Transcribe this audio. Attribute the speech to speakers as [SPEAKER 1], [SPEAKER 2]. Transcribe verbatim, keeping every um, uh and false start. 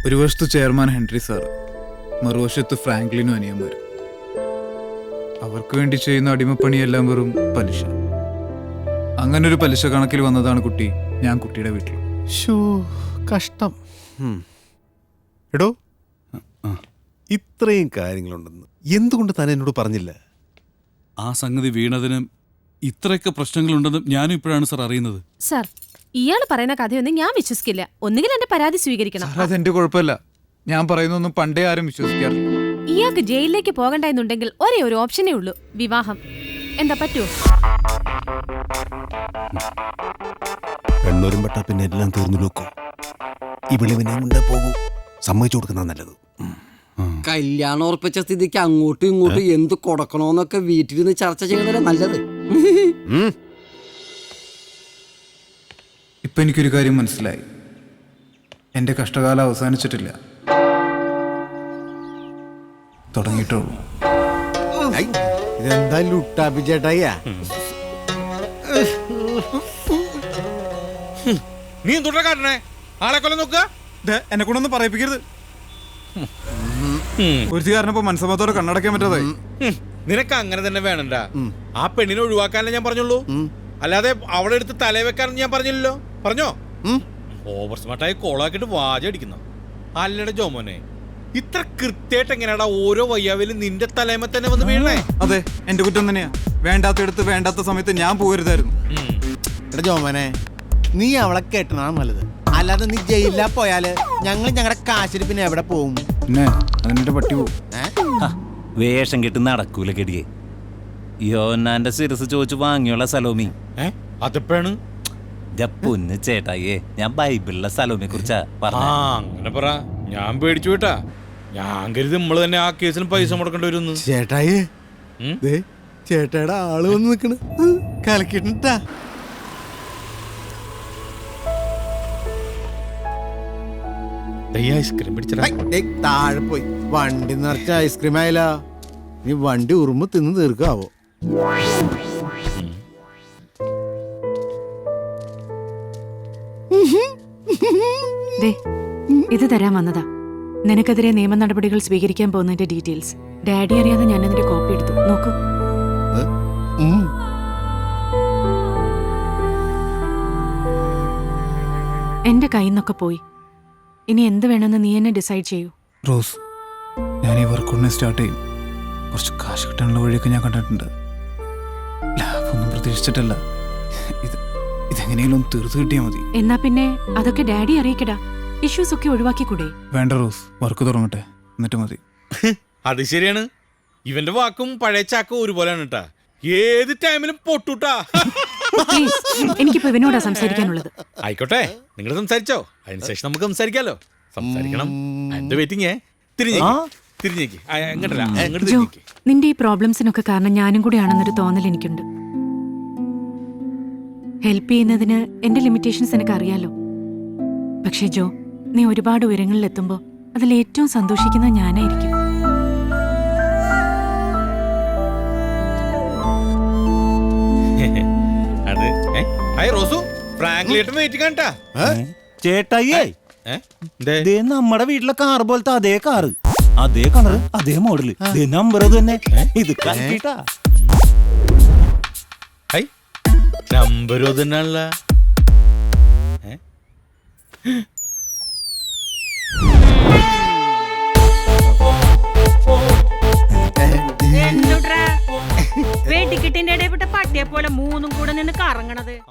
[SPEAKER 1] ഒരു വശത്ത് chairman Henry sir, മറുവശത്ത് ഫ്രാങ്ക്ലിനും അനിയന്മാർ. അവർക്ക് വേണ്ടി ചെയ്യുന്ന അടിമപ്പണിയെല്ലാം വെറും പലിശ. അങ്ങനെ ഒരു പലിശ കണക്കിൽ വന്നതാണ് കുട്ടി ഞാൻ കുട്ടിയുടെ വീട്ടിൽ.
[SPEAKER 2] ഷോ കഷ്ടം. എടോ, ഇത്രയും കാര്യങ്ങളുണ്ടെന്ന് എന്തുകൊണ്ട് താൻ എന്നോട് പറഞ്ഞില്ല?
[SPEAKER 3] ആ സംഗതി വീണതിന് ഇത്രയൊക്കെ പ്രശ്നങ്ങളുണ്ടെന്ന് ഞാനും ഇപ്പോഴാണ് സാർ അറിയുന്നത്.
[SPEAKER 4] സാർ, ഇയാൾ പറയുന്ന കഥയൊന്നും ഞാൻ വിശ്വസിക്കില്ല. ഒന്നുകിൽ എന്റെ പരാതി സ്വീകരിക്കണം.
[SPEAKER 1] അതെന്റെ കുഴപ്പമില്ല, ഞാൻ പറയുന്നൊന്നും പണ്ടേ ആരും വിശ്വസിക്കാറില്ല.
[SPEAKER 4] ഇയാൾക്ക് ജയിലിലേക്ക് പോകണ്ട എന്നുണ്ടെങ്കിൽ ഒരേ ഒരു ഓപ്ഷനേ ഉള്ളൂ, വിവാഹം. എന്താ പറ്റുമോ?
[SPEAKER 2] പെണ്ണൂരും പെട്ടാ പിന്നെ എല്ലാം തീർന്നു നോക്കൂ. ഇവിടെ പിന്നെ മുന്നേ പോകൂ. സമ്മതിച്ചു കൊടുക്കുന്ന നല്ലത്.
[SPEAKER 5] കല്യാണം ഉറപ്പിച്ച സ്ഥിതിക്ക് അങ്ങോട്ടും ഇങ്ങോട്ടും എന്ത് കൊടുക്കണോന്നൊക്കെ വീട്ടിലിരുന്ന് ചർച്ച ചെയ്യുന്നതല്ലേ നല്ലത്.
[SPEAKER 1] ഇപ്പൊ എനിക്കൊരു കാര്യം മനസ്സിലായി, എന്റെ കഷ്ടകാലം അവസാനിച്ചിട്ടില്ല, തുടങ്ങിയിട്ടുള്ളൂ.
[SPEAKER 2] ഇതെന്താ ലുട്ടാപ്പി ചേട്ടായിയാ?
[SPEAKER 6] നീ എന്തുട്ടാ കാട്ടണേ? ആളെ കൊല്ലം നോക്കുക.
[SPEAKER 1] എന്നെ കൊണ്ടൊന്നും പറയിപ്പിക്കരുത്. ഒരു കാരണപ്പോ മനസ്സമ്മത്തോടെ കണ്ണടക്കാൻ പറ്റാതായി.
[SPEAKER 6] നിനക്ക് അങ്ങനെ തന്നെ വേണണ്ട. ആ പെണ്ണിനെ ഒഴിവാക്കാനല്ലേ ഞാൻ പറഞ്ഞുള്ളൂ, അല്ലാതെ അവളെ എടുത്ത് തലേ വെക്കാനെന്ന് ഞാൻ പറഞ്ഞില്ലല്ലോ. പറഞ്ഞോ? ഓവർ സ്മാർട്ടായി കോളാക്കിട്ട് വാചടിക്കുന്നു. അല്ലട ജോമോനെ, ഇത്ര കൃത്യമായിട്ട് എങ്ങനെയാടാ ഓരോ വയ്യാവിലും നിന്റെ തലേമ തന്നെ വന്ന് വീഴണേ?
[SPEAKER 1] അതെ, എന്റെ കുറ്റം തന്നെയാ. വേണ്ടാത്തടുത്ത് വേണ്ടാത്ത സമയത്ത് ഞാൻ പോകരുതായിരുന്നു.
[SPEAKER 7] എടാ ജോമനെ, നീ അവളെ കെട്ടണ നല്ലത്. അല്ലാതെ നീ ജയിലിലാ പോയാല് ഞങ്ങൾ ഞങ്ങളുടെ കാശിന് പിന്നെ എവിടെ പോവും?
[SPEAKER 1] പിന്നെ അതിന്റെ പട്ടി പോവും.
[SPEAKER 8] വേഷം കെട്ട് നടക്കൂല കെടിയെ. യോന്നാന്റെ ശിരസ് ചോദിച്ചു വാങ്ങിയുള്ള സലോമി.
[SPEAKER 6] അതെപ്പോഴാണ്?
[SPEAKER 8] പൊന്ന് ചേട്ടായിയെ, ഞാൻ ബൈബിളിലെ സലോമിയെ കുറിച്ചാ പറഞ്ഞ.
[SPEAKER 6] അങ്ങനെ പറ, ഞാൻ പേടിച്ചു കേട്ടാ. ഞാൻ കരുതി നമ്മള് തന്നെ ആ കേസിന് പൈസ മുടക്കേണ്ടി വരും.
[SPEAKER 7] ചേട്ടായി, ചേട്ടായുടെ ആള് വന്ന് നിക്കണ്, കലക്കിട്ടാ.
[SPEAKER 6] ഐസ്ക്രീം പിടിച്ചടാ.
[SPEAKER 7] താഴെ പോയി വണ്ടി നിറച്ച ഐസ്ക്രീം ആയാല. നീ വണ്ടി ഉറുമ്പ് തിന്ന് തീർക്കാവോ?
[SPEAKER 9] ഇത് തരാൻ വന്നതാ. നിനക്കെതിരെ നിയമ നടപടികൾ സ്വീകരിക്കാൻ പോകുന്നതിന്റെ ഡീറ്റെയിൽസ്. ഡാഡി അറിയാതെ ഞാൻ അതിന്റെ കോപ്പി എടുത്തു. നോക്കൂ. എന്റെ കയ്യിൽ നിന്നൊക്കെ പോയി. ഇനി എന്ത് വേണമെന്ന് നീ എന്നെ ഡിസൈഡ് ചെയ്യൂ.
[SPEAKER 1] റോസ്, ഞാൻ ഈ വർക്ക് ഉടനെ സ്റ്റാർട്ട് ചെയ്യും. കുറച്ച് കാശ് കിട്ടാനുള്ള വഴിയൊക്കെ ഞാൻ കണ്ടിട്ടുണ്ട്. ലാഭമൊന്നും പ്രതീക്ഷിച്ചിട്ടല്ല. ഇത് ഇതെങ്ങനെയെങ്കിലും ഒന്ന് തീർത്ത് കിട്ടിയാൽ മതി.
[SPEAKER 9] എന്നാ പിന്നെ അതൊക്കെ ഡാഡി അറിയിക്കടാ. ഇഷ്യൂസ് ഒക്കെ ഒഴിവാക്കിക്കൂടെ?
[SPEAKER 1] വേണ്ട റോസ്, വർക്ക് തുടങ്ങട്ടെ, എന്നിട്ട് മതി.
[SPEAKER 6] അത് ശരിയാണ്. ഇവന്റെ വാക്കും പഴയ ചാക്കും ഒരുപോലെയാണ് കേട്ടാ. ഏത് ടൈമിലും പൊട്ടൂട്ടാ.
[SPEAKER 9] എനിക്കിപ്പോ ഇവനോടാ സംസാരിക്കാനുള്ളത്.
[SPEAKER 6] ആയിക്കോട്ടെ, നിങ്ങൾ സംസാരിച്ചോ, അതിനുശേഷം നമുക്ക് സംസാരിക്കാലോ. സംസാരിക്കണം. എന്റെ വെയിറ്റിംഗ്. തിരിഞ്ഞേക്ക്, എങ്ങോട്ടല്ല, അങ്ങോട്ട്
[SPEAKER 9] ജോ,
[SPEAKER 6] തിരിഞ്ഞേക്ക്.
[SPEAKER 9] നിന്റെ ഈ പ്രോബ്ലംസിനൊക്കെ കാരണം ഞാനും കൂടി ആണെന്നൊരു തോന്നൽ എനിക്കുണ്ട്. ഹെൽപ്പ് ചെയ്യുന്നതിന് എന്റെ ലിമിറ്റേഷൻസ് എനിക്ക് അറിയാലോ. പക്ഷേ ജോ, നീ ഒരുപാട് ഉയരങ്ങളിൽ എത്തുമ്പോ അതിൽ ഏറ്റവും സന്തോഷിക്കുന്നത് ഞാനായിരിക്കും.
[SPEAKER 6] അത് ഹായ് റോസു, ഫ്രാങ്ക്ലിയേട്ടൻ വെയിറ്റ് കണ്ടാ.
[SPEAKER 8] ചേട്ടായിയേ, നമ്മുടെ വീട്ടിലെ കാർ പോലത്തെ അതേ കാറ്, അതേ കളറ്, അതേ മോഡല്, നമ്പർ തന്നെ. ഇത് കണ്ടിട്ടാ
[SPEAKER 6] നമ്പരോ തന്നെയാണല്ല.
[SPEAKER 10] ടിക്കറ്റിന്റെ ഇടയിൽപ്പെട്ട പട്ടിയെ പോലെ മൂന്നും കൂടെ നിന്ന് കറങ്ങണത്.